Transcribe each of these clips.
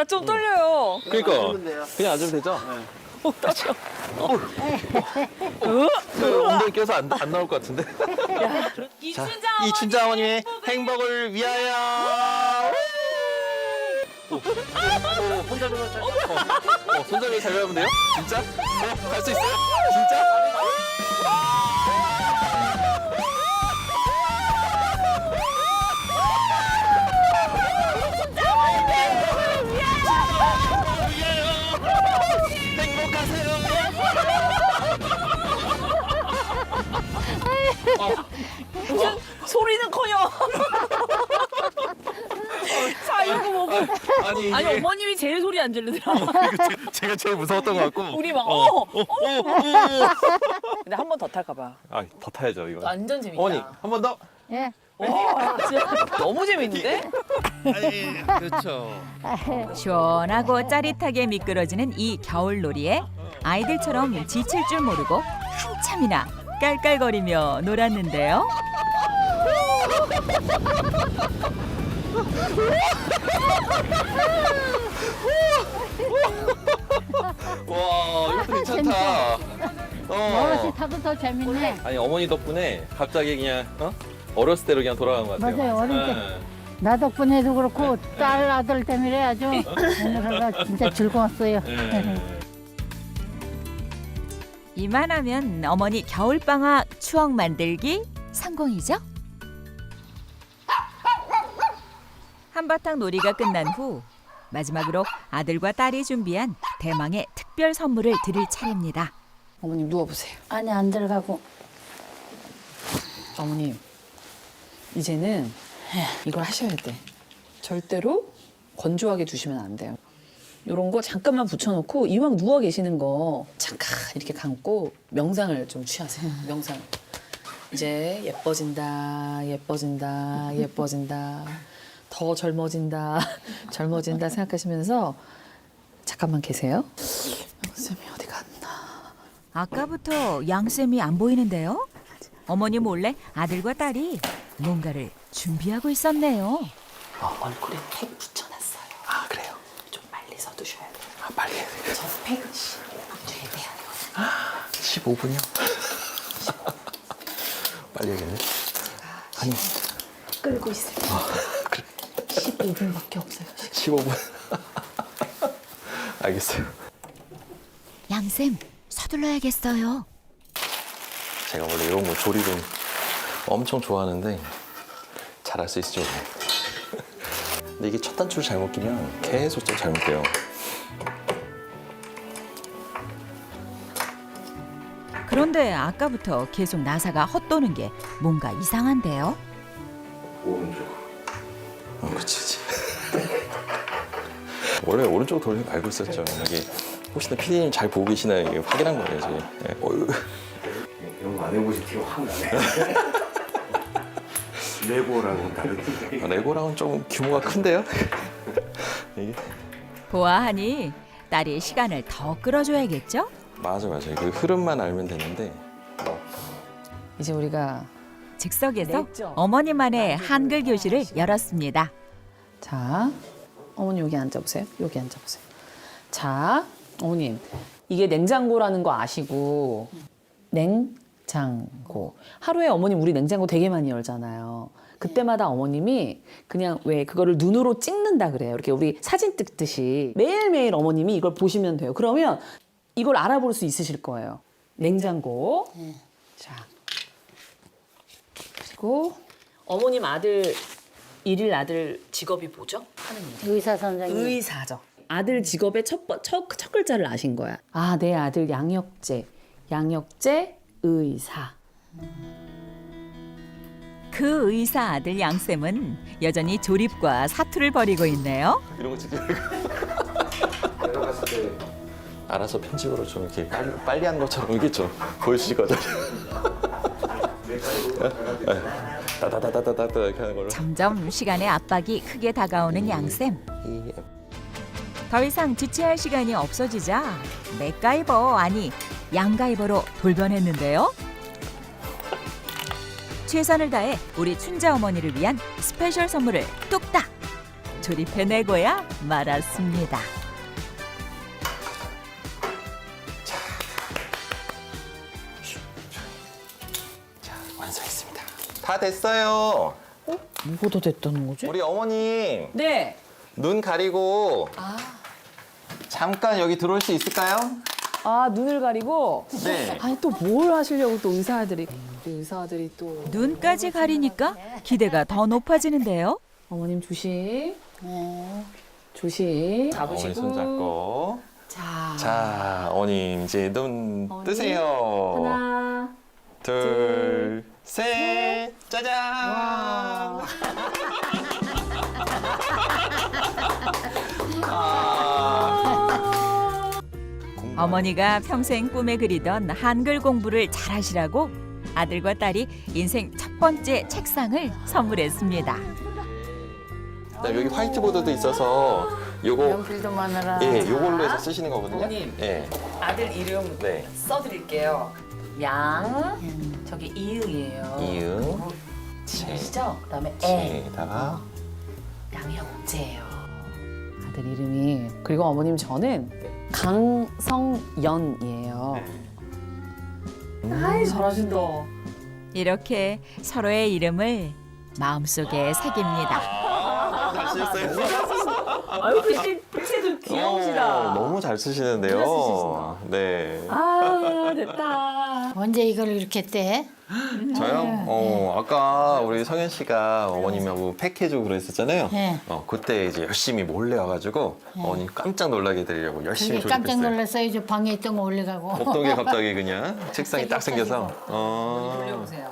나 좀 떨려요. 그러니까 그냥 앉으면 되죠? 떨려. 엉덩이 껴서 안 나올 것 같은데. 이춘자 어머님의 행복을 위하여. 손잡이 잘 잡으면 돼요? 진짜? 갈 수 있어요? 진짜? 소리는커녕. 자 이거 먹고. 아니 어머님이 제일 소리 안 지르더라. 제가 제일 무서웠던 것 같고. 우리 막 근데 한 번 더 탈까 봐. 더 타야죠 이거. 완전 재밌다. 어머니 한 번 더. 예. 와 진짜 너무 재밌는데? 그렇죠. 시원하고 짜릿하게 미끄러지는 이 겨울놀이에 아이들처럼 지칠 줄 모르고 한참이나 깔깔거리며 놀았는데요. 와 이것도 괜찮다. 어르신 타도 더 재밌네. 아니 어머니 덕분에 갑자기 그냥 어렸을 때로 그냥 돌아간 것 같아요. 맞아요, 어릴 때. 네. 나 덕분에도 그렇고 딸 아들 때문에 아주 오늘 하루가 진짜 즐거웠어요. 네. 이만하면 어머니 겨울방학 추억 만들기 성공이죠? 한바탕 놀이가 끝난 후 마지막으로 아들과 딸이 준비한 대망의 특별 선물을 드릴 차례입니다. 어머님 누워보세요. 안에 안 들어가고. 어머님 이제는 이걸 하셔야 돼. 절대로 건조하게 두시면 안 돼요. 이런 거 잠깐만 붙여놓고 이왕 누워 계시는 거 잠깐 이렇게 감고 명상을 좀 취하세요. 명상. 이제 예뻐진다, 예뻐진다, 예뻐진다. 더 젊어진다, 젊어진다 생각하시면서 잠깐만 계세요. 쌤이 어디 갔나? 아까부터 양쌤이 안 보이는데요? 어머니 몰래 아들과 딸이 뭔가를 준비하고 있었네요. 얼굴에 팩 붙여놨어요. 아 그래요? 좀 빨리 서두셔야 돼요. 빨리. 저 팩은 15분 뒤에 돼야 되거든요. 15분이요? 빨리 해야겠네. 아니 끌고 있을 때. 그래. 15분밖에 없어요. 지금. 15분. 알겠어요. 양쌤 서둘러야겠어요. 제가 원래 이런 거 조리를 엄청 좋아하는데 잘할 수 있을지 모르겠어요. 근데 이게 첫 단추를 잘못 끼면 계속 좀 잘못돼요. 그런데 아까부터 계속 나사가 헛도는 게 뭔가 이상한데요? 오른쪽. 그치. 원래 오른쪽 돌리는 거 알고 있었죠. 이게 혹시나 PD님 잘 보고 계시나 이게 확인한 거예요, 지금. 네. 이런 거 안 해보신 티가 확 나네. 레고랑은 다르지. 레고랑은 좀 규모가 큰데요? 이게 보아하니 딸이 시간을 더 끌어줘야겠죠? 맞아요. 그 흐름만 알면 되는데. 이제 우리가 즉석에서 냈죠? 어머니만의 한글 교실을 열었습니다. 자, 어머니 여기 앉아보세요. 여기 앉아보세요. 자, 어머님 이게 냉장고라는 거 아시고 냉장고. 하루에 어머님 우리 냉장고 되게 많이 열잖아요. 그때마다 어머님이 그냥 왜 그거를 눈으로 찍는다 그래요. 이렇게 우리 사진 찍듯이 매일매일 어머님이 이걸 보시면 돼요. 그러면 이걸 알아볼 수 있으실 거예요. 냉장고. 자. 그리고 어머님 아들 일일 아들 직업이 뭐죠? 하는 일. 의사 선생님. 의사죠. 아들 직업의 첫 글자를 아신 거야. 아, 내 아들 양혁재 의사. 그 의사 아들 양쌤은 여전히 조립과 사투를 벌이고 있네요. 이런 거 찍지 말고. 내려갔을 때 알아서 편집으로 좀 이렇게 빨리 한 것처럼 이게 좀 보여주실 거죠? 다다다다다다 이렇게 하는 걸로. 점점 시간의 압박이 크게 다가오는 양쌤. 더 이상 지체할 시간이 없어지자 맥가이버 아니 양가이버로 돌변했는데요. 최선을 다해 우리 춘자 어머니를 위한 스페셜 선물을 뚝딱 조립해내고야 말았습니다. 자, 완성했습니다. 다 됐어요. 뭐가 더 됐다는 거지? 우리 어머님 네. 눈 가리고 잠깐 여기 들어올 수 있을까요? 아, 눈을 가리고? 네. 아니, 또 뭘 하시려고 또 의사들이. 우리 의사들이 또. 눈까지 가리니까 기대가 더 높아지는데요. 어머님 조심. 네. 조심. 어머니 잡으시고. 손 잡고. 자. 자, 어머님 이제 눈 어머니. 뜨세요. 하나. 둘, 셋, 짜잔! 어머니가 평생 꿈에 그리던 한글 공부를 잘하시라고 아들과 딸이 인생 첫 번째 책상을 선물했습니다. 네, 여기 화이트보드도 있어서 요거 연필도 많아라. 예, 요걸로 해서 쓰시는 거거든요. 어머님. 예. 아들 이름 네. 써드릴게요. 양. 저기 이응이에요. 이응. 지으시죠? 그다음에 애. 에다가 양의 옥제예요. 아들 이름이. 그리고 어머님 저는 강성연이에요. 아이 잘하신다. 이렇게 서로의 이름을 마음속에 새깁니다. 잘 쓰셨어요. 아유 글씨도 귀여우시다. 너무 잘 쓰시는데요. 잘 쓰시신다. 네. 아 됐다. 언제 이걸 이렇게 떼? 저요? 아까 우리 성현 씨가 어머님하고 팩해주고 그랬었잖아요. 네. 그때 이제 열심히 몰래 와가지고 어머님 깜짝 놀라게 해드리려고 열심히 그게 깜짝 조립했어요. 놀랐어요. 저 방에 있던 거 올려가고. 없던 게 갑자기 그냥 책상이 딱 생겨서. 돌려보세요.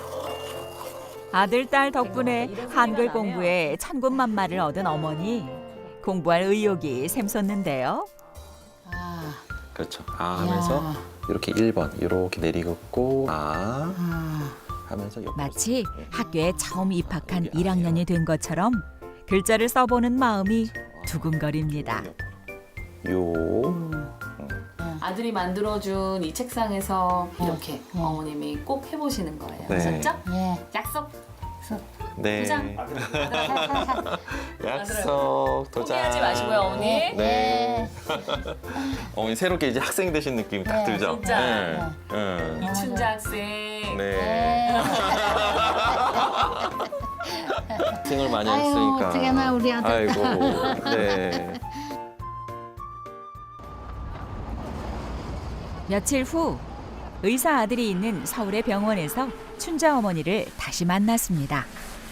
아들, 딸 덕분에 한글 공부에 천군만마를 얻은 어머니. 공부할 의욕이 샘솟는데요. 아, 그렇죠. 하면서 이렇게 1번 이렇게 내리긋고 하면서 옆으로 마치 학교에 처음 입학한 1학년이 된 것처럼 글자를 써보는 마음이 두근거립니다. 요. 아들이 만들어준 이 책상에서 이렇게 어머님이 꼭 해보시는 거예요. 네. 아셨죠? 예. 약속. 네. 도장. 약속 도장. 포기하지 마시고요, 어머니. 네. 어머니 새롭게 이제 학생 되신 느낌이 딱 네, 들죠. 진짜. 네. 네. 이춘자 학생. 네. 생을 많이 아유, 했으니까. 어떡하나, 우리 아들. 아이고. 네. 며칠 후 의사 아들이 있는 서울의 병원에서 춘자 어머니를 다시 만났습니다.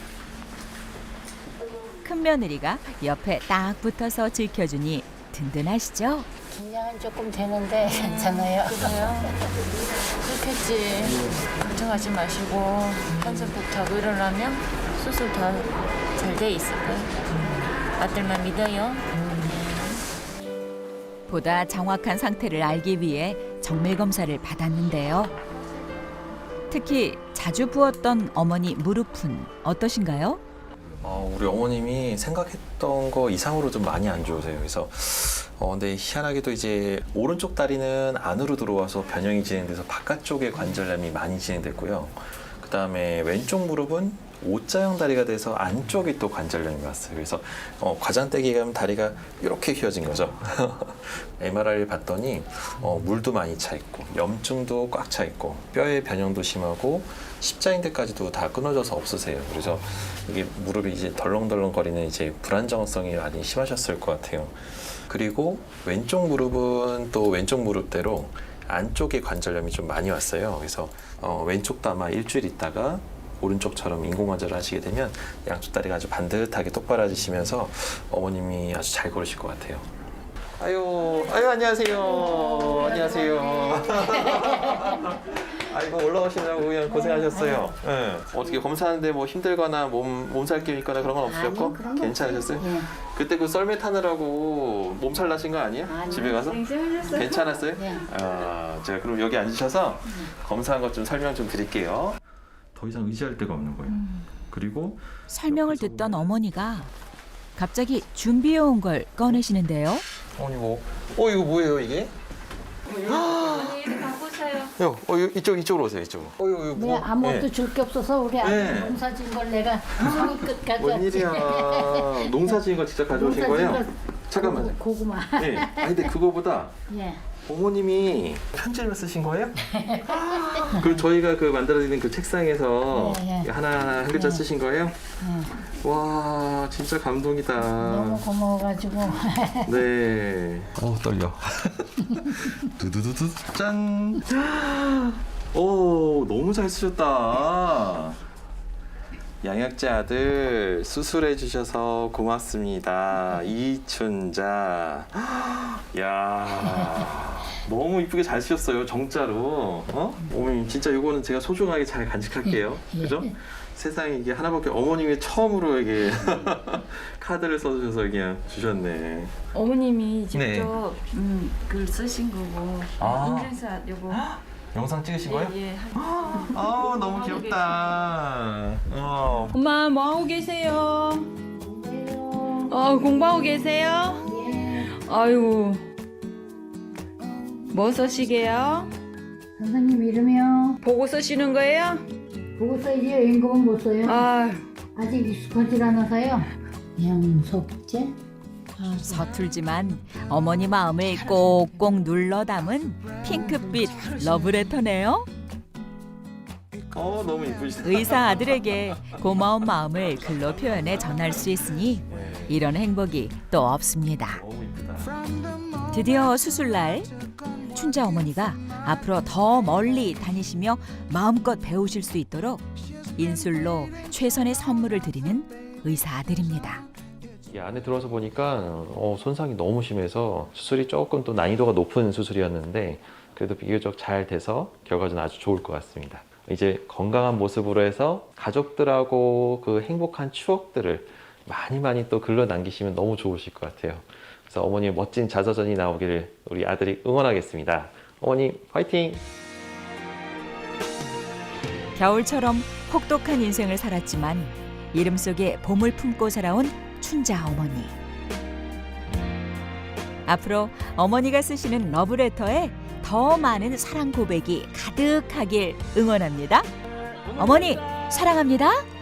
큰 며느리가 옆에 딱 붙어서 지켜주니 든든하시죠? 긴장은 조금 되는데 괜찮아요. 그렇겠지. 걱정하지 마시고 한숨 푹 자고 일어나면 수술 다 잘 돼 있을 거예요. 아들만 믿어요. 보다 정확한 상태를 알기 위해 정밀 검사를 받았는데요. 특히 자주 부었던 어머니 무릎은 어떠신가요? 우리 어머님이 생각했던 거 이상으로 좀 많이 안 좋으세요. 그래서 근데 희한하게도 이제 오른쪽 다리는 안으로 들어와서 변형이 진행돼서 바깥쪽에 관절염이 많이 진행됐고요. 그다음에 왼쪽 무릎은 O자형 다리가 돼서 안쪽에 또 관절염이 왔어요. 그래서 과장되기 가면 다리가 이렇게 휘어진 거죠. MRI를 봤더니 물도 많이 차 있고 염증도 꽉 차 있고 뼈의 변형도 심하고 십자인대까지도 다 끊어져서 없으세요. 그래서 이게 무릎이 이제 덜렁덜렁거리는 이제 불안정성이 많이 심하셨을 것 같아요. 그리고 왼쪽 무릎은 또 왼쪽 무릎대로 안쪽에 관절염이 좀 많이 왔어요. 그래서 왼쪽도 아마 일주일 있다가 오른쪽처럼 인공관절을 하시게 되면 양쪽 다리가 아주 반듯하게 똑바라지시면서 어머님이 아주 잘 걸으실 것 같아요. 아유 안녕하세요. 안녕하세요. 아이고 올라오시느라고 그냥 고생하셨어요. 네. 어떻게 검사하는데 뭐 힘들거나 몸살 기운 있거나 그런 건 없으셨고 괜찮으셨어요? 네. 그때 그 썰매 타느라고 몸살 나신 거 아니에요? 집에 가서? 괜찮았어요? 네. 제가 그럼 여기 앉으셔서 검사한 것 좀 설명 좀 드릴게요. 더 이상 의지할 데가 없는 거예요. 그리고 설명을 듣던 어머니가 갑자기 준비해온 걸 꺼내시는데요. 어머니 뭐? 이거 뭐예요 이게? 어머니 갖고 이쪽으로 오세요. 이쪽으로. 네, 아무것도 줄 게 없어서 우리 아들 네. 농사 지은 걸 내가 성의 끝까지 웬일이야. 농사 지은 거 직접 가져오신 거예요? 잠깐만요. 고구마. 네. 근데 그거보다 예. 어머님이 편지를 쓰신 거예요? 그리고 저희가 그 만들어드린 그 책상에서 네, 네. 하나하나 한 글자 쓰신 거예요? 와, 진짜 감동이다. 너무 고마워가지고. 네. 떨려. 두두두두 짠. 오, 너무 잘 쓰셨다. 양약제 아들 수술해 주셔서 고맙습니다. 이춘자. 야, 너무 이쁘게 잘 쓰셨어요. 정자로. 어머님 진짜 이거는 제가 소중하게 잘 간직할게요. 그죠? 세상에 이게 하나밖에 어머님이 처음으로 이게 카드를 써주셔서 그냥 주셨네. 어머님이 네. 직접 글 쓰신 거고 아. 인증샷 요거 영상 찍으신 거예요? 예. 너무 귀엽다. 엄마 뭐 하고 계세요? 공부하고 계세요? 아이고 뭐 쓰시게요? 선생님 이름이요. 보고 쓰시는 거예요? 보고 써야지 임금은 못 써요. 아, 아직 익숙하지 않아서요. 양석재? 서툴지만 어머니 마음을 꼭꼭 눌러 담은 핑크빛 러브레터네요. 너무 이쁘시다. 의사 아들에게 고마운 마음을 글로 표현해 전할 수 있으니 이런 행복이 또 없습니다. 너무 이쁘다. 드디어 수술날 춘자 어머니가 앞으로 더 멀리 다니시며 마음껏 배우실 수 있도록 인술로 최선의 선물을 드리는 의사 아들입니다. 이 안에 들어와서 보니까 손상이 너무 심해서 수술이 조금 또 난이도가 높은 수술이었는데 그래도 비교적 잘 돼서 결과는 아주 좋을 것 같습니다. 이제 건강한 모습으로 해서 가족들하고 그 행복한 추억들을 많이 또 글로 남기시면 너무 좋으실 것 같아요. 그래서 어머니의 멋진 자서전이 나오기를 우리 아들이 응원하겠습니다. 어머니 화이팅! 겨울처럼 혹독한 인생을 살았지만 이름 속에 봄을 품고 살아온 춘자 어머니. 앞으로 어머니가 쓰시는 러브레터에 더 많은 사랑 고백이 가득하길 응원합니다. 어머니 사랑합니다.